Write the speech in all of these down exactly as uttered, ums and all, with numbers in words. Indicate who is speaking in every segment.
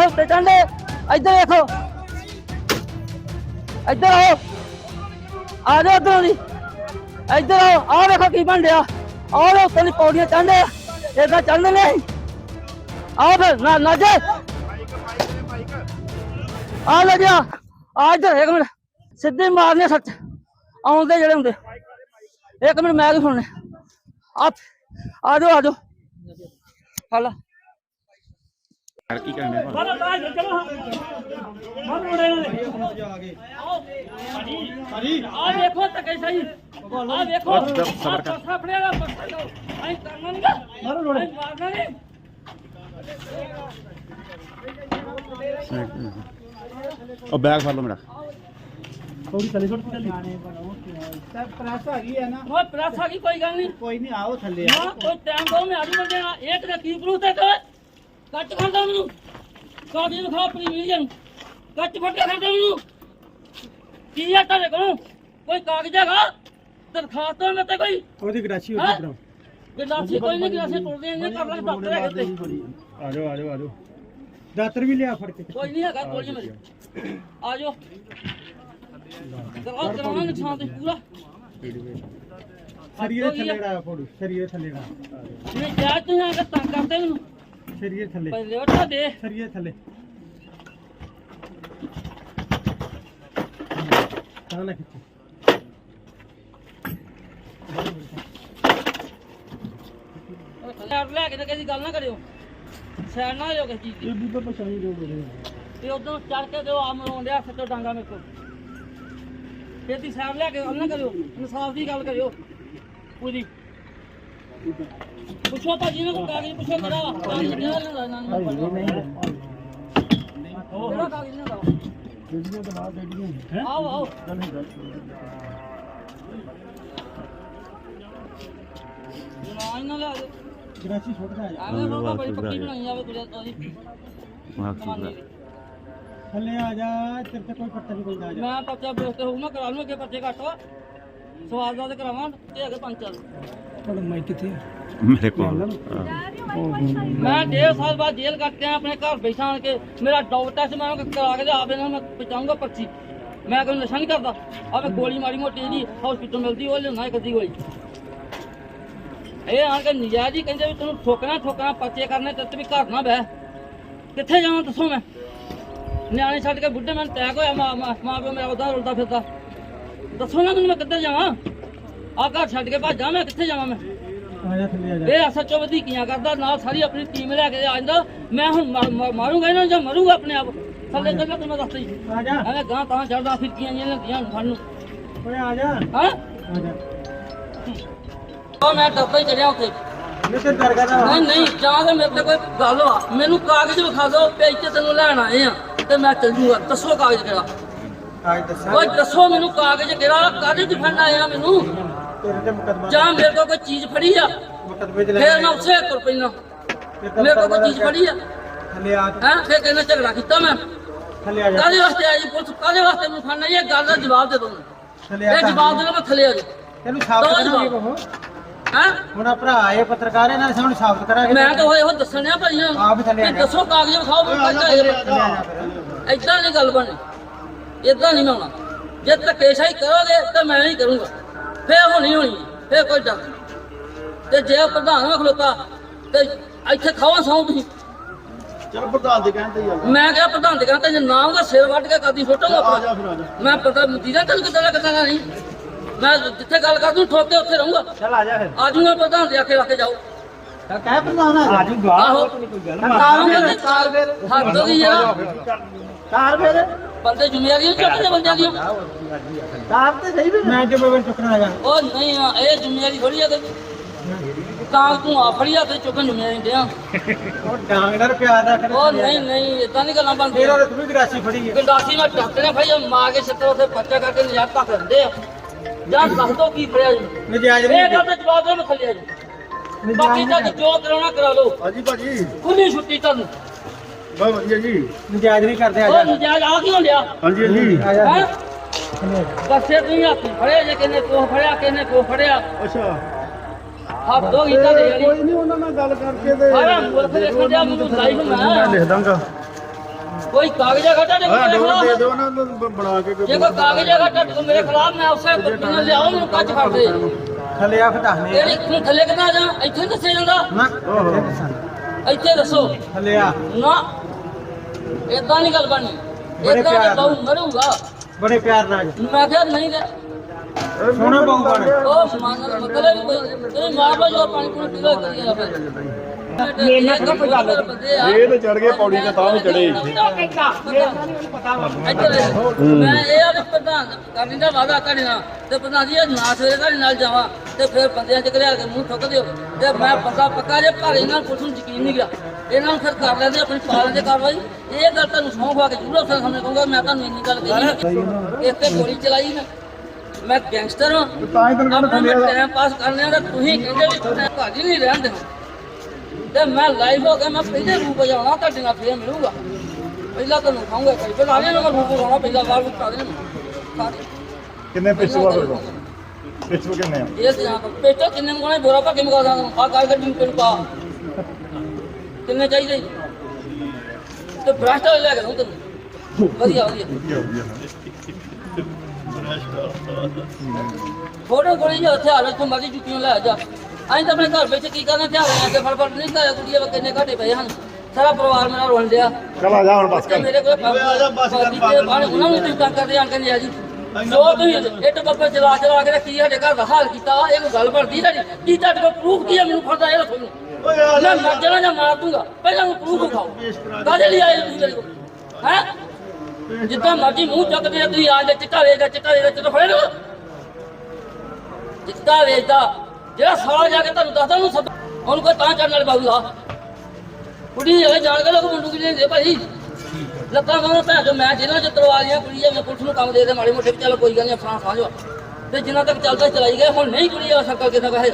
Speaker 1: ਉੱਤੇ ਚੜ੍ਹਦੇ ਇੱਧਰ ਦੇਖੋ ਇੱਧਰ ਆਓ ਆ ਜਾਓ ਇੱਧਰੋਂ ਦੀ ਇੱਧਰ ਆਓ ਆਹ ਵੇਖੋ ਕੀ ਬਣ ਰਿਹਾ ਆਹ ਦੇ ਉੱਤੇ ਦੀ ਪੌੜੀਆਂ ਚੜ੍ਹਦੇ ਏਦਾਂ ਚੜ੍ਹਦੇ ਨੇ ਆਓ ਫਿਰ ਨਾ ਨਾ ਜੇ ਆ ਲੈ ਗਿਆ ਆ ਇੱਧਰ ਇੱਕ ਮਿੰਟ ਸਿੱਧੇ ਮਾਰਨੇ ਸੱਚ ਆਉਂਦੇ ਜਿਹੜੇ ਹੁੰਦੇ ਇੱਕ ਮਿੰਟ ਮੈਂ ਵੀ ਸੁਣਨੇ ਆ ਆ ਜਾਓ ਆ ਜਾਓ ਹਲਾ
Speaker 2: ਯਾਰ ਕੀ ਕਰਨੇ
Speaker 1: ਚਲੋ ਚਲੋ ਮਨ ਮੁੜੇ ਨੇ ਆ ਦੇਖੋ ਤੱਕੇ ਸਹੀ ਆ ਦੇਖੋ
Speaker 2: ਸਬਰ ਕਰ
Speaker 1: ਸਾਫੜਿਆ ਦਾ ਪੱਕਾ ਐ ਕਰਨਾ ਨਹੀਂ ਮਾਰੋ ਲੋੜੇ ਮਾਰਨਾ ਨਹੀਂ
Speaker 2: ਉਹ ਬੈਗ ਫੜ ਲਓ ਮੇਰਾ
Speaker 3: थोड़ी थले छोड़ चली सर प्रेस आ गई है ना
Speaker 1: वो प्रेस आ गई कोई गल नहीं
Speaker 3: कोई नहीं आओ थले
Speaker 1: हां कोई टाइम दो मैं आजू देना एक ने की प्रूफ है तो कट कर दो मेनू कागज दिखा अपनी वीडियो कट फट कर दो मेनू की है तेरे को कोई कागज हैगा दरखास्त तो मैं ते कोई
Speaker 3: ओदी ग्राची होती ब्रो
Speaker 1: गिलासी कोई नहीं गिलासी तोड़ देंगे कर ले डॉक्टर है ते
Speaker 3: आ जाओ आ जाओ आ जाओ दातर भी ले आ फड़ के
Speaker 1: कोई नहीं हैगा गोली मेरी आ जाओ कराओ कराना नुकसान तो पूरा
Speaker 3: शरीर थले रा फोड़ शरीर थले रा
Speaker 1: नहीं जा तू यहां का तंग करते मेनू
Speaker 3: शरीर थले
Speaker 1: पहले उठा दे
Speaker 3: शरीर थले ताना खिच्चे
Speaker 1: यार ले के किसी गल ना करियो सैड ना हो किसी चीज
Speaker 3: ये भी तो परेशानी जो बोले
Speaker 1: ते उधर चढ़ के दो आम रोंदे सच्चो डांगा मेरे को खेती सैड ले के गल ना करियो इंसाफ दी गल करियो पूरी पुछो तो जी ने को कागज पुछो करा कागज केड़ा लेंदा ना केड़ा कागज लेंदा
Speaker 3: वीडियो तो बात वीडियो है
Speaker 1: आओ आओ ना ना ले आओ
Speaker 3: ग्राची छोड़ के आ जा
Speaker 1: आगे रोका बड़ी पक्की बनाई जावे कुछ तो
Speaker 2: मां
Speaker 3: थले आ जा तेरे से कोई पत्ता नहीं कोई जा
Speaker 1: मैं पर्चा बेचते हूँ मैं करा लूँ अगे पर्चे घट सवाल का करावा ते अगे पंच चल
Speaker 3: थोड़ा माइक किथे
Speaker 2: मेरे को
Speaker 1: मैं डेढ़ साल बाद जेल कटते हैं अपने घर बैठा आन के मेरा डॉग टेस्ट मैं करा के आप मैं पहुँचाऊंगा पर्ची मैं कोई नशा नहीं करता अब मैं गोली माड़ी मोटी जी हॉस्पिटल मिलती वो लेना एक अद्धी गोली ये आन के नजायज ही कहते तेन ठोकना ठोकना पर्चे करने ते भी घर ना बह कितने जावां दसो मैं ਨਿਆਣੇ ਛੱਡ ਕੇ ਬੁੱਢੇ ਮੈਨੂੰ ਟੈਕ ਹੋਇਆ ਮਾਂ ਮਾਂ ਪਿਓ ਮੇਰਾ ਉਦਾਂ ਰੁਲਦਾ ਫਿਰਦਾ ਦੱਸੋ ਨਾ ਮੈਨੂੰ ਮੈਂ ਕਿੱਧਰ ਜਾਵਾਂ ਆ ਘਰ ਛੱਡ ਕੇ ਭੱਜਾਂ ਮੈਂ ਕਿੱਥੇ ਜਾਵਾਂ ਮੈਂ
Speaker 3: आ जा थले आ जा
Speaker 1: ਇਹ ਐਸਐਚਓ ਵਧੀਕੀਆਂ ਕਰਦਾ ਨਾਲ ਸਾਰੀ ਆਪਣੀ ਟੀਮ ਲੈ ਕੇ ਆ ਜਾਂਦਾ ਮੈਂ ਹੁਣ ਮਾਰੂੰਗਾ ਇਹਨਾਂ ਨੂੰ ਜਾਂ ਮਰੂੰਗਾ ਆਪਣੇ ਆਪ ਥੱਲੇ ਚੱਲਣਾ ਤੈਨੂੰ ਮੈਂ ਦੱਸਦਾ ਜੀ
Speaker 3: आ जा
Speaker 1: ਐਵੇਂ ਗਾਂ ਤਾਂ ਚੜਦਾ ਫਿਰਕੀਆਂ ਜਿਹੀਆਂ ਲੈਂਦੀਆਂ ਹੁਣ ਸਾਨੂੰ
Speaker 3: ओए आ जा
Speaker 1: ਹਾਂ
Speaker 3: आ जा
Speaker 1: ਉਹ ਮੈਂ ਡੱਬਾ ਹੀ ਚੜਿਆ ਉੱਥੇ
Speaker 3: ये तो दरगाह दा
Speaker 1: ਨਹੀਂ ਨਹੀਂ ਜਾਂ ਤਾਂ ਮੇਰੇ ਤੇ ਕੋਈ ਗੱਲ ਵਾ ਮੈਨੂੰ ਕਾਗਜ਼ ਵਿਖਾ ਦਿਓ ਪੇਜ ਤੇ ਤੈਨੂੰ ਲੈਣ ਆਏ ਆ ਤੇ ਮੈਂ ਚੱਲ ਜੂਗਾ ਦੱਸੋ ਕਾਗਜ਼ ਕਿਹੜਾ
Speaker 3: आज दस
Speaker 1: ਓਏ ਦੱਸੋ ਮੈਨੂੰ ਕਾਗਜ਼ ਕਿਹੜਾ ਕਾਹਦੇ ਚ ਫੜਨਾ ਆਇਆ ਮੈਨੂੰ
Speaker 3: तेरे ते मुकदमा
Speaker 1: ਜਾਂ ਮੇਰੇ ਕੋਲ ਕੋਈ ਚੀਜ਼ ਫੜੀ ਆ
Speaker 3: मुकदमे च
Speaker 1: ਫੇਰ ਮੈਂ ਉਸੇ ਤੁਰ ਪੈਣਾ ਮੇਰੇ ਕੋਲ ਕੋਈ ਚੀਜ਼ ਫੜੀ ਆ
Speaker 3: थले आ
Speaker 1: ਹੈ ਫੇਰ ਕਹਿੰਦਾ ਝਗੜਾ ਕੀਤਾ ਮੈਂ
Speaker 3: थले आ जा
Speaker 1: ਕਾਹਦੇ ਵਾਸਤੇ ਆਈ ਪੁਲਿਸ ਕਾਹਦੇ ਵਾਸਤੇ ਮੈਨੂੰ ਫੜਨਾ ਇਹ ਗੱਲ ਦਾ ਜਵਾਬ ਦੇ ਦੋ
Speaker 3: थले
Speaker 1: ਇਹ
Speaker 3: आ
Speaker 1: ਜਵਾਬ ਦੇ ਦੋ ਮੈਂ ਥੱਲੇ ਆ ਜਾ
Speaker 3: तेनु साबित करांगे बहो
Speaker 1: ਹੈ
Speaker 3: ਹੁਣ ਭਰਾ ਆਏ ਪੱਤਰਕਾਰ ਇਹਨਾਂ ਨੇ ਸਾਨੂੰ ਸਾਬਤ ਕਰਾਂਗੇ
Speaker 1: ਮੈਂ ਤਾਂ ਉਹ ਇਹੋ ਦੱਸਣਿਆ ਭਾਈਆਂ
Speaker 3: ਆਪ ਥੱਲੇ ਆ ਜਾ
Speaker 1: ਦੱਸੋ ਕਾਗਜ਼ ਵਿਖਾਓ ਮੈਂ ਪੱਕਾ ਏਦਾਂ ਨਹੀਂ ਗੱਲ ਬਣੀ ਏਦਾਂ ਨਹੀਂ ਹੋਣਾ ਜੇ ਧੱਕੇਸ਼ਾਹੀ ਕਰੋਗੇ ਤਾਂ ਮੈਂ ਨਹੀਂ ਕਰੂੰਗਾ ਫੇਰ ਹੋਣੀ ਹੋਣੀ ਫੇਰ ਕੋਈ ਡਰ ਨਹੀਂ ਤੇ ਜੇ ਪ੍ਰਧਾਨ ਨੂੰ ਖਲੋਤਾ ਤੇ ਇੱਥੇ ਖਾਵਾ ਸੌਂ ਤੁਸੀਂ
Speaker 3: ਚਲ ਪ੍ਰਧਾਨ ਦੇ ਕਹਿੰਦੇ ਹੀ ਆ
Speaker 1: ਮੈਂ ਕਿਹਾ ਪ੍ਰਧਾਨ ਦੇ ਕਹਿੰਦਾ ਜੇ ਨਾ ਉਹਦਾ ਸਿਰ ਵੱਢ ਕੇ ਕਾਦੀ ਫੋਟੋਗਾ ਆਪਣਾ ਮੈਂ ਪਤਾ ਮਦੀਨਾ ਤੈਨੂੰ ਕਿੱਦਾਂ ਕਿੱਦਾਂ ਨਹੀਂ ਮੈਂ ਜਿੱਥੇ ਗੱਲ ਕਰ ਦੂੰ ਠੋਕ ਕੇ ਉੱਥੇ ਰਹੂੰਗਾ
Speaker 3: ਚਲ ਆ ਜਾ ਫਿਰ
Speaker 1: ਆ ਜੂਗਾ ਪ੍ਰਧਾਨ ਦੇ ਆਖੇ ਰੱਖ ਕੇ ਜਾਓ
Speaker 3: ਕਹਿ ਪ੍ਰਧਾਨ ਆ ਜੂਗਾ
Speaker 1: ਆਹੋ
Speaker 3: ਕੋਈ ਗੱਲ
Speaker 1: ਕਾਰ ਫਿਰ ਹੱਦ ਹੋ ਗਈ ਯਾਰ
Speaker 3: ਕਾਰ ਫਿਰ
Speaker 1: ਬੰਦੇ ਜ਼ਿੰਮੇਵਾਰੀ ਚੁੱਕਦੇ ਬੰਦਿਆਂ ਦੀ
Speaker 3: ਕਾਰ ਤੇ ਸਹੀ ਵੀ ਮੈਂ ਜੇ ਬਗਨ ਚੁੱਕਣਾ ਹੈਗਾ
Speaker 1: ਉਹ ਨਹੀਂ ਇਹ ਜ਼ਿੰਮੇਵਾਰੀ ਥੋੜੀ ਆ ਤੇ ਤਾਂ ਤੂੰ ਆ ਫੜੀਆ ਤੇ ਚੁੱਕਣ ਜ਼ਿੰਮੇਵਾਰੀ ਦਿਆਂ
Speaker 3: ਉਹ ਡਾਂਗ ਨਾਲ ਪਿਆਰ ਰੱਖ
Speaker 1: ਉਹ ਨਹੀਂ ਨਹੀਂ ਇਦਾਂ ਨਹੀਂ ਗੱਲਾਂ ਬਣਦੀਆਂ
Speaker 3: ਤੇਰਾ ਤੂੰ ਵੀ ਗਰਾਸੀ ਫੜੀ ਹੈ
Speaker 1: ਗੰਡਾਸੀ ਮੈਂ ਟੱਕਣੇ ਭਾਈ ਮਾਰ ਕੇ ਛੱਤਰ ਉੱਥੇ ਪੱਚਾ ਕਰਕੇ ਨਜ਼ਾਰ ਤੱਕ ਦਿੰਦੇ ਆ ਜਾਂ ਦੱਸ ਦੋ ਕੀ ਫੜਿਆ ਜੀ
Speaker 3: ਨਜਾਇਜ਼
Speaker 1: ਇਹ ਗੱਲ ਤੇ ਜਵਾਬ ਦੇ ਮੈਂ ਥੱਲੇ ਆ ਜੀ ਬਾਕੀ ਤਾਂ ਜੋ ਕਰਾਉਣਾ ਕਰਾ ਲਓ
Speaker 3: ਹਾਂਜੀ ਭਾਜੀ
Speaker 1: ਖੁੱਲੀ ਛੁੱਟੀ ਤੁਹਾਨੂੰ
Speaker 3: ਬਹੁਤ ਵਧੀਆ ਜੀ ਨਜਾਇਜ਼ ਨਹੀਂ ਕਰਦੇ ਆ
Speaker 1: ਉਹ ਨਜਾਇਜ਼ ਆ ਕਿਉਂ ਲਿਆ
Speaker 3: ਹਾਂਜੀ ਹਾਂਜੀ ਆ ਜਾ
Speaker 1: ਹੈ ਦੱਸੇ ਤੁਸੀਂ ਹੱਥ ਫੜਿਆ ਜੇ ਕਿਨੇ ਕੋ ਫੜਿਆ ਕਿਨੇ ਕੋ ਫੜਿਆ
Speaker 3: ਅੱਛਾ
Speaker 1: ਹੱਥ ਦੋ ਗੀਤਾ ਦੇ ਯਾਰੀ
Speaker 3: ਕੋਈ ਨਹੀਂ ਉਹਨਾਂ ਨਾਲ ਗੱਲ ਕਰਕੇ ਤੇ
Speaker 1: ਆਇਆ ਮੁਲਕ ਦੇਖਣ ਦਿਆ ਮੈਨੂੰ ਲਾਈਵ ਮੈਂ
Speaker 3: ਲਿਖ ਦਾਂਗਾ
Speaker 1: ਕੋਈ ਕਾਗਜ਼ ਹੈਗਾ ਤੁਹਾਡੇ ਕੋਲ ਮੇਰੇ ਖਿਲਾਫ?
Speaker 4: ਦੇ ਦਿਓ ਨਾ ਬਣਾ ਕੇ
Speaker 1: ਜੇ ਕੋਈ ਕਾਗਜ਼ ਹੈਗਾ ਤੁਹਾਡੇ ਕੋਲ ਮੇਰੇ ਖਿਲਾਫ, ਮੈਂ ਉਸੇ ਬੰਦੇ ਨੂੰ ਲਿਆਓ, ਮੈਨੂੰ ਕੱਚ ਫੜ ਦੇ।
Speaker 3: ਥੱਲੇ ਆ ਖਟਾਣੇ
Speaker 1: ਤੇਰੀ ਤੂੰ ਥੱਲੇ ਕਿੱਦਾਂ ਜਾ? ਇੱਥੇ ਨੀ ਦੱਸਿਆ ਜਾਂਦਾ?
Speaker 3: ਨਾ ਇੱਥੇ ਦੱਸਣ।
Speaker 1: ਇੱਥੇ ਦੱਸੋ
Speaker 3: ਥੱਲੇ ਆ
Speaker 1: ਨਾ, ਏਦਾਂ ਨਹੀਂ ਗੱਲ ਬਣਨੀ।
Speaker 3: ਬੜੇ
Speaker 1: ਏਦਾਂ
Speaker 3: ਪਿਆਰ
Speaker 1: ਤਾਂ ਬਹੁ ਮਰੂਗਾ।
Speaker 3: ਬੜੇ ਪਿਆਰ ਨਾਲ
Speaker 1: ਮੈਂ ਕਿਹਾ ਨਹੀਂ ਤੇ
Speaker 3: ਸੋਹਣੇ ਬਹੁ ਬਣ
Speaker 1: ਉਹ ਸਮਾਨ ਦਾ ਮਤਲਬ ਹੀ ਕੋਈ ਤੇਰੀ ਮਾਰ ਲੋ ਜੋ ਪਾਣੀ ਪੂਣੀ ਪੀਲਾ ਕਰੀ ਜਾ ਫਿਰ। ਇਹ ਨਾ ਕੋਈ ਗੱਲ
Speaker 4: ਇਹ ਤੇ ਚੜ ਗਏ ਪੌੜੀ ਤੇ ਤਾਂ ਵੀ ਚੜੇ
Speaker 1: ਮੈਂ ਇਹ ਆ ਵੀ ਪ੍ਰਧਾਨ ਕਰਨੀ ਦਾ ਵਾਅਦਾ ਤੁਹਾਡੇ ਨਾਲ ਤੇ ਪ੍ਰਧਾਨ ਜੀ ਇਹ ਨਾ ਸਵੇਰੇ ਤੁਹਾਡੇ ਨਾਲ ਜਾਵਾਂ ਤੇ ਫਿਰ ਬੰਦਿਆਂ ਚ ਘਰਿਆ ਕੇ ਮੂੰਹ ਠੁੱਕ ਦਿਓ ਤੇ ਮੈਂ ਬੰਦਾ ਪੱਕਾ ਜੇ ਪਰ ਇਹਨਾਂ ਨੂੰ ਕੁਛ ਨੂੰ ਯਕੀਨ ਨਹੀਂ ਗਿਆ। ਇਹਨਾਂ ਨੂੰ ਫਿਰ ਕਰ ਲੈਂਦੇ ਆਪਣੀ ਪਾਲਣ ਦੇ ਕਾਰਵਾਈ। ਇਹ ਗੱਲ ਤੁਹਾਨੂੰ ਸਹੁੰ ਖਵਾ ਕੇ ਜ਼ਰੂਰ ਅਫਸਰ ਸਾਹਮਣੇ ਕਹੂੰਗਾ। ਮੈਂ ਤੁਹਾਨੂੰ ਇੰਨੀ ਗੱਲ ਕਹੀ, ਇਸ ਤੇ ਗੋਲੀ ਚਲਾਈ ਮੈਂ ਮੈਂ ਗੈਂਗਸਟਰ ਹਾਂ।
Speaker 4: ਤਾਂ ਹੀ ਤੈਨੂੰ ਕਹਿੰਦਾ ਥੱਲੇ ਆ
Speaker 1: ਟਾਈਮ ਪਾਸ ਕਰਨੇ ਆ ਤਾਂ ਤੁਸੀਂ ਕਹਿੰਦੇ ਵੀ ਤੁਸੀਂ ਭਾਜੀ ਨਹੀਂ ਰਹਿਣ ਦੇਣਾ ਤੇ ਮੈਂ ਲਾਈਵ ਹੋ ਗਿਆ। ਮੈਂ ਪਹਿਲੇ ਰੂਪ ਜਾਣਾ ਤੁਹਾਡੇ ਨਾਲ ਫੇਰ ਮਿਲੂਗਾ। ਪਹਿਲਾਂ ਤੁਹਾਨੂੰ ਖਾਊਂਗਾ ਕਈ ਫਿਰ ਆਲੇ ਨੂੰ ਰੂਪ ਲਾਉਣਾ ਪਹਿਲਾਂ ਬਾਹਰ ਨੂੰ ਪਾ ਦੇਣਾ ਸਾਰੇ।
Speaker 4: ਕਿੰਨੇ ਪਿੱਛੇ ਵਾ ਫਿਰ ਪਿੱਛੇ ਕਿੰਨੇ ਆ
Speaker 1: ਇਹ ਤੇ ਜਾਂ ਪੇਟੋ ਕਿੰਨੇ ਮਗਾਣੇ ਬੋਰਾ ਪਾ ਕੇ ਮਗਾ ਦਾਂ ਆ ਕਾਲ ਗੱਡੀ ਨੂੰ ਪਾ ਕਿੰਨੇ ਚਾਹੀਦੇ ਤੇ ਬ੍ਰਾਸਟ ਲੈ ਕੇ ਦਊਂ ਤੈਨੂੰ ਵਧੀਆ ਵਧੀਆ ਫੋਟੋ ਕੋਲੀ ਜੋ ਹਥਿਆਰ ਇੱਥੋਂ ਮਰਜ਼ੀ ਜੁੱਤੀਆਂ ਲੈ ਜਾ। ਅਸੀਂ ਤਾਂ ਆਪਣੇ ਘਰ ਵਿੱਚ ਕੀ ਕਰਨਾ, ਹਥਿਆਰ ਲੈ ਕੇ ਫੜ ਫੜ ਨਹੀਂ ਲਾਇਆ। ਕੁੜੀਆਂ ਵਾ ਕਿੰਨੇ ਘਾਟੇ ਪਏ ਹਨ। ਸਾਰਾ ਪਰਿਵਾਰ ਮੇਰਾ ਰੋਣ ਡਿਆ।
Speaker 4: ਚਲ ਆ ਜਾ ਹੁਣ ਬਸ ਕਰ
Speaker 1: ਮੇਰੇ ਕੋਲ ਉਹਨਾਂ ਨੂੰ ਤੁਸੀਂ ਤੰਗ ਕਰਦੇ ਆਂ ਕਹਿੰਦੇ ਆ ਜੀ ਜੋ ਤੁਸੀਂ ਇੱਟ ਬੱਬੇ ਚਲਾ ਚਲਾ ਕੇ ਕੀ ਸਾਡੇ ਘਰ ਦਾ ਹਾਲ ਕੀਤਾ। ਇਹ ਕੋਈ ਗੱਲ ਬਣਦੀ ਸਾਡੀ? ਕੀ ਤੁਹਾਡੇ ਕੋਲ ਪ੍ਰੂਫ ਕੀ ਹੈ? ਮੈਨੂੰ ਫੜਦਾ ਇਹ ਦੱਸੋ ਮੈਨੂੰ। ਮੈਂ ਮਰ ਜਾਣਾ ਜਾਂ ਮਾਰ ਦੂੰਗਾ, ਪਹਿਲਾਂ ਮੈਨੂੰ ਪ੍ਰੂਫ ਦਿਖਾਓ। ਕਾਹਦੇ ਲਈ ਆਏ ਤੁਸੀਂ ਮੇਰੇ ਕੋਲ ਹੈ? ਜਿੱਦਾਂ ਮਰਜ਼ੀ ਮੂੰਹ ਚੱਕਦੇ ਆ ਤੁਸੀਂ। ਆ ਜਾ ਚਿੱਟਾ ਵੇਚਦਾ ਚਿੱਟਾ ਵੇਚਦਾ ਚਿੱਟਾ ਫੜੇ ਲਓ। ਚਿੱਟਾ ਵੇਚਦਾ ਜਿਹੜਾ ਸਾਲਾ ਜਾ ਕੇ ਤੁਹਾਨੂੰ ਦੱਸਦਾ ਉਹਨੂੰ ਸੱਦ ਉਹਨੂੰ ਕੋਈ ਤਾਂ ਚੜਨ ਵਾਲੇ ਬਾਬੂ ਲਾ ਕੁੜੀ ਇਹ ਜਾਣ ਕੇ ਲੋਕ ਮੁੰਡੂ ਕੀ ਲੈਂਦੇ ਭਾਈ ਲੱਤਾਂ ਬਾਹਾਂ ਭੈਣ ਜੋ ਮੈਂ ਜਿਹਨਾਂ ਚ ਤਲਵਾ ਲੀਆਂ ਕੁੜੀ ਮੈਂ ਪੁਲਿਸ ਨੂੰ ਕੰਮ ਦੇ ਦੇ ਮਾੜੇ ਮੋਟੇ ਵੀ ਚੱਲ ਕੋਈ ਗੱਲ ਨਹੀਂ ਫਰਾਂ ਸਾਂਝੋ ਤੇ ਜਿੰਨਾ ਤੱਕ ਚੱਲਦਾ ਚਲਾਈ ਗਏ। ਹੁਣ ਨਹੀਂ ਕੁੜੀ ਆ ਸਰਕਾਰ ਕਿੱਥੇ ਪੈਸੇ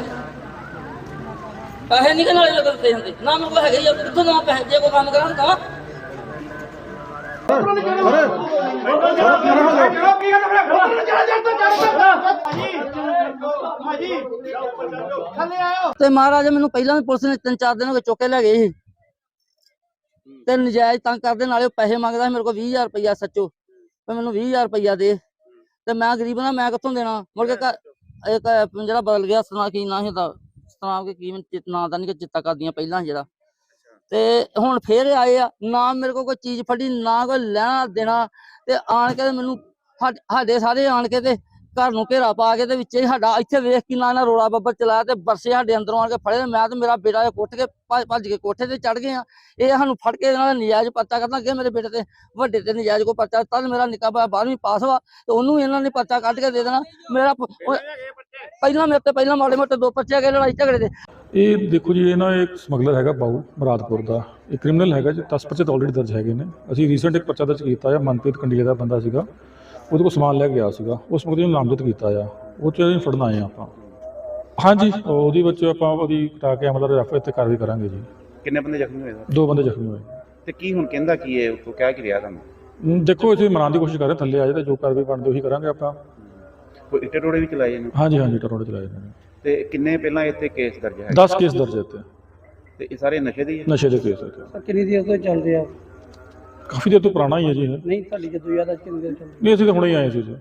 Speaker 1: ਪੈਸੇ ਨਹੀਂ ਕਿ ਨਾਲੇ ਲੱਗ ਦਿੱਤੇ ਹੁੰਦੇ ਨਾ ਮੇਰੇ ਕੋਲ ਹੈਗੇ ਹੀ ਆ। ਕਿੱਥੋਂ ਨਾ ਪੈਸੇ ਜੇ ਕੋਈ ਕੰਮ ਕਰਾਂ ਤਾਂ ਤੇ ਮਹਾਰਾਜ ਮੈਨੂੰ ਪਹਿਲਾਂ ਵੀ ਪੁਲਿਸ ਨੇ ਤਿੰਨ ਚਾਰ ਦਿਨ ਹੋ ਗਏ ਚੁੱਕ ਕੇ ਲੈ ਗਏ ਸੀ ਤੇ ਨਜਾਇਜ਼ ਤੰਗ ਕਰਦੇ ਨਾਲੇ ਪੈਸੇ ਮੰਗਦਾ ਸੀ ਮੇਰੇ ਕੋਲ ਵੀਹ ਹਜ਼ਾਰ ਰੁਪਈਆ ਸੱਚੋ ਤੇ ਮੈਨੂੰ ਵੀਹ ਹਜ਼ਾਰ ਰੁਪਈਆ ਦੇ ਤੇ ਮੈਂ ਗਰੀਬ ਨਾ ਮੈਂ ਕਿੱਥੋਂ ਦੇਣਾ। ਮੁੜ ਕੇ ਇੱਕ ਜਿਹੜਾ ਬਦਲ ਗਿਆ ਸਨਾ ਕੀ ਨਾ ਹੁੰਦਾ ਸਨਾਮ ਕੇ ਕੀ ਨਾਂ ਦਾ ਨਹੀਂ ਚਿੱਤਾ ਕਰਦੀਆਂ ਪਹਿਲਾਂ ਜਿਹੜਾ ਤੇ ਹੁਣ ਫੇਰ ਆਏ ਆ। ਨਾ ਮੇਰੇ ਕੋਲ ਕੋਈ ਚੀਜ਼ ਫੜੀ ਨਾ ਕੋਈ ਲੈਣਾ ਦੇਣਾ ਤੇ ਆਣ ਕੇ ਮੈਨੂੰ ਸਾਡੇ ਸਾਰੇ ਆਣ ਕੇ ਤੇ ਘਰ ਨੂੰ ਘੇਰਾ ਪਾ ਕੇ ਤੇ ਵਿੱਚ ਹੀ ਸਾਡਾ ਇੱਥੇ ਵੇਖ ਕੇ ਨਾ ਰੋਲਾ ਬੱਬਰ ਚਲਾਇਆ ਤੇ ਬਰਸੇ ਸਾਡੇ ਅੰਦਰੋਂ ਆਣ ਕੇ ਫੜੇ। ਮੈਂ ਤੇ ਮੇਰਾ ਬੇਟਾ ਕੁੱਟ ਕੇ ਭੱਜ ਕੇ ਕੋਠੇ ਤੇ ਚੜ ਗਏ ਆ। ਇਹ ਸਾਨੂੰ ਫੜ ਕੇ ਇਹਨਾਂ ਦਾ ਨਜਾਇਜ਼ ਪਰਚਾ ਕਰਨਾ ਅੱਗੇ ਮੇਰੇ ਬੇਟੇ ਤੇ ਵੱਡੇ ਤੇ ਨਜਾਇਜ਼ ਕੋ ਪਰਚਾ ਤਦ ਮੇਰਾ ਨਿੱਕਾ ਭਾਈ ਬਾਰਵੀਂ ਪਾਸ ਵਾ ਤੇ ਉਹਨੂੰ ਇਹਨਾਂ ਨੇ ਪਰਚਾ ਕੱਢ ਕੇ ਦੇ ਦੇਣਾ। ਮੇਰਾ ਪਹਿਲਾਂ ਮੇਰੇ ਤੇ ਪਹਿਲਾਂ ਮਾੜੇ ਮੋਟੇ ਦੋ ਪਰਚੇ ਗਏ ਲੜਾਈ ਝਗੜੇ ਦੇ।
Speaker 5: ਇਹ ਦੇਖੋ ਜੀ ਇਹ ਨਾ ਇੱਕ ਸਮਗਲਰ ਹੈਗਾ ਬਾਊ ਮੁਰਾਦਪੁਰ ਦਾ। ਇਹ ਕ੍ਰਿਮੀਨਲ ਹੈਗਾ ਜੀ। ਦਸ ਪਰਚੇ ਤਾਂ ਆਲਰੇਡੀ ਦਰਜ ਹੈਗੇ ਨੇ। ਅਸੀਂ ਰੀਸੈਂਟ ਇੱਕ ਪਰਚਾ ਦਰਜ ਕੀਤਾ ਆ। ਮਨਪ੍ਰੀਤ ਕੰਡੀਆ ਦਾ ਬੰਦਾ ਸੀਗਾ, ਉਹਦੇ ਕੋਲ ਸਮਾਨ ਲੈ ਕੇ ਗਿਆ ਸੀਗਾ। ਉਸ ਮੁਕਦੇ ਨੂੰ ਨਾਮਜ਼ਦ ਕੀਤਾ ਆ। ਉਹ 'ਚ ਅਸੀਂ ਫੜਨ ਆਏ ਆ ਆਪਾਂ। ਹਾਂਜੀ ਉਹਦੇ ਵਿੱਚ ਆਪਾਂ ਉਹਦੀ ਕਟਾ ਕੇ ਮਤਲਬ ਰੈਫਰ ਤੇ ਕਾਰਵਾਈ ਕਰਾਂਗੇ ਜੀ।
Speaker 2: ਕਿੰਨੇ ਬੰਦੇ ਜ਼ਖਮੀ ਹੋਏ ਸਰ?
Speaker 5: ਦੋ ਬੰਦੇ ਜ਼ਖਮੀ ਹੋਏ
Speaker 2: ਤੇ ਕੀ ਹੁਣ ਕਹਿੰਦਾ ਕੀ ਹੈ ਉੱਥੋਂ ਕਹਿ ਕੀ ਰਿਹਾ ਤੁਹਾਨੂੰ?
Speaker 5: ਹਮ, ਦੇਖੋ ਅਸੀਂ ਮਨਾਉਣ ਦੀ ਕੋਸ਼ਿਸ਼ ਕਰ ਰਹੇ, ਥੱਲੇ ਆ ਜਾਏ ਤਾਂ ਜੋ ਕਾਰਵਾਈ ਬਣਦੀ ਉਹੀ ਕਰਾਂਗੇ ਆਪਾਂ।
Speaker 2: ਕੋਈ ਇੱਟੇ ਟੋੜੇ ਵੀ ਚਲਾਏ ਨੇ?
Speaker 5: ਹਾਂਜੀ ਹਾਂਜੀ ਟਰੋੜੇ ਚਲਾਏ ਨੇ।
Speaker 2: ਤੇ ਕਿੰਨੇ ਪਹਿਲਾਂ ਇੱਥੇ ਕੇਸ ਦਰਜ ਹੈ?
Speaker 5: ਦਸ ਕੇਸ ਦਰਜ ਇੱਥੇ
Speaker 2: ਤੇ ਇਹ ਸਾਰੇ ਨਸ਼ੇ ਦੇ ਹੀ ਹੈ?
Speaker 5: ਨਸ਼ੇ ਦੇ ਕੇਸ ਇੱਥੇ।
Speaker 3: ਕਿੰਨੀ ਦੇਰ ਤੋਂ ਚੱਲਦੇ ਆ?
Speaker 5: ਕਾਫੀ ਦੇਰ ਤੋਂ ਪੁਰਾਣਾ ਹੀ ਹੈ ਜੀ ਇਹ।
Speaker 3: ਨਹੀਂ ਤੁਹਾਡੀ ਜਦੋਂ ਯਾਦ ਆ ਕਿੰਨੀ ਦੇਰ ਚੱਲਦੇ?
Speaker 5: ਨਹੀਂ ਅਸੀਂ ਤਾਂ ਹੁਣੇ ਹੀ ਆਏ ਸੀ ਜੀ।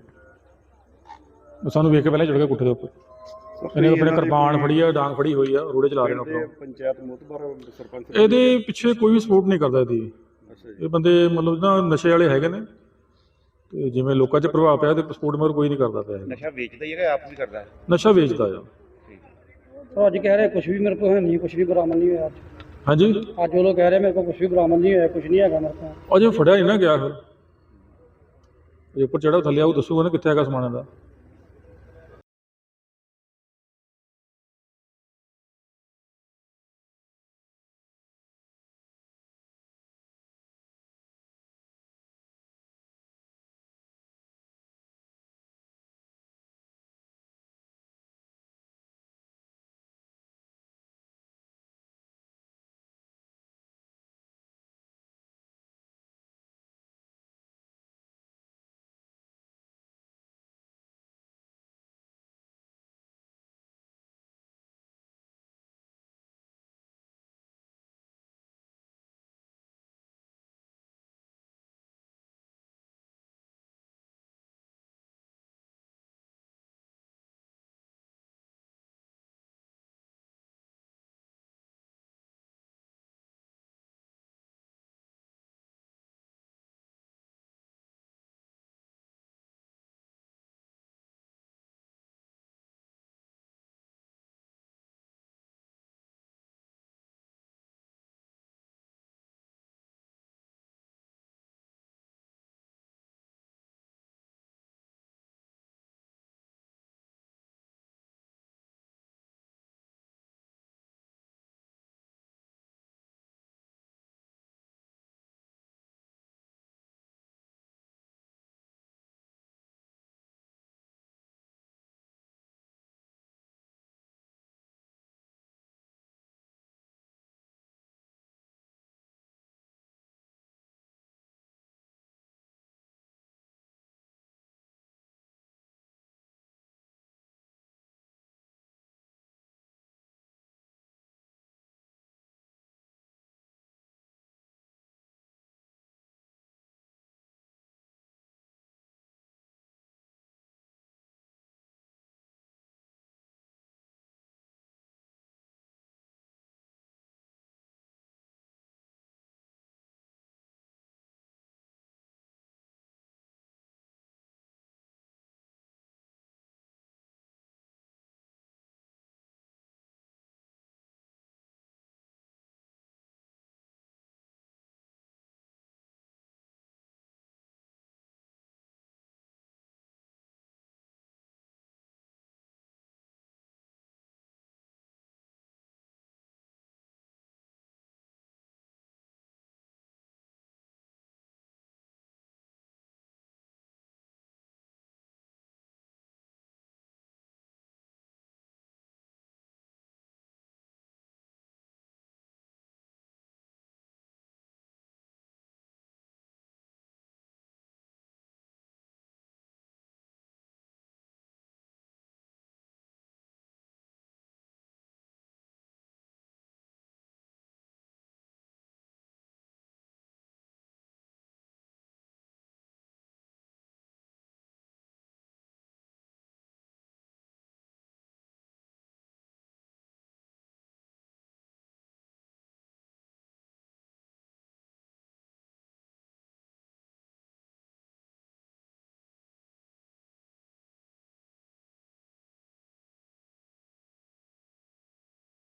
Speaker 5: ਸਾਨੂੰ ਵੇਖ ਕੇ ਪਹਿਲਾਂ ਚੜ ਗਿਆ ਕੁੱਠੇ ਦੇ ਉੱਪਰ। ਇਹਨੇ ਆਪਣੇ ਕਿਰਪਾਨ ਫੜੀ ਆ, ਡਾਂਗ ਫੜੀ ਹੋਈ ਆ, ਰੋੜੇ ਚਲਾ ਰਹੇ ਨੇ ਆਪਣਾ।
Speaker 4: ਪੰਚਾਇਤ ਮੋਤਬਰ ਸਰਪੰਚ
Speaker 5: ਇਹਦੇ ਪਿੱਛੇ ਕੋਈ ਵੀ ਸਪੋਰਟ ਨਹੀਂ ਕਰਦਾ ਇਹਦੀ। ਇਹ ਬੰਦੇ ਮਤਲਬ ਨਾ ਨਸ਼ੇ ਵਾਲੇ ਹੈਗੇ ਨੇ ਤੇ ਜਿਵੇਂ ਲੋਕਾਂ 'ਚ ਪ੍ਰਭਾਵ ਪਿਆ ਤੇ ਸਪੋਰਟ ਮਗਰ ਕੋਈ ਨਹੀਂ ਕਰਦਾ ਪਿਆ।
Speaker 2: ਨਸ਼ਾ ਵੇਚਦਾ ਹੀ ਹੈਗਾ ਆਪ ਵੀ ਕਰਦਾ?
Speaker 5: ਨਸ਼ਾ ਵੇਚਦਾ ਆ।
Speaker 3: ਉਹ ਅੱਜ ਕਹਿ ਰਹੇ ਕੁਝ ਵੀ ਮੇਰੇ ਕੋਲ ਹੈ ਨਹੀਂ, ਕੁਝ ਵੀ ਬਰਾਮਦ ਨਹੀਂ ਹੋਇਆ।
Speaker 5: ਹਾਂਜੀ
Speaker 3: ਅੱਜ ਉਹ ਲੋਕ ਕਹਿ ਰਹੇ ਮੇਰੇ ਕੋਲ ਕੁਝ ਵੀ ਬਰਾਮਦ ਨਹੀਂ ਹੋਇਆ, ਕੁਝ ਨਹੀਂ ਹੈਗਾ ਮੇਰੇ ਕੋਲ।
Speaker 5: ਅਜੇ ਫੜਿਆ ਨਹੀਂ ਨਾ ਗਿਆ। ਫਿਰ ਜੇ ਉੱਪਰ ਚੜਾ ਥੱਲੇ ਆਊ ਦੱਸੂਗਾ ਨਾ ਕਿੱਥੇ ਹੈਗਾ ਸਮਾਨ ਦਾ।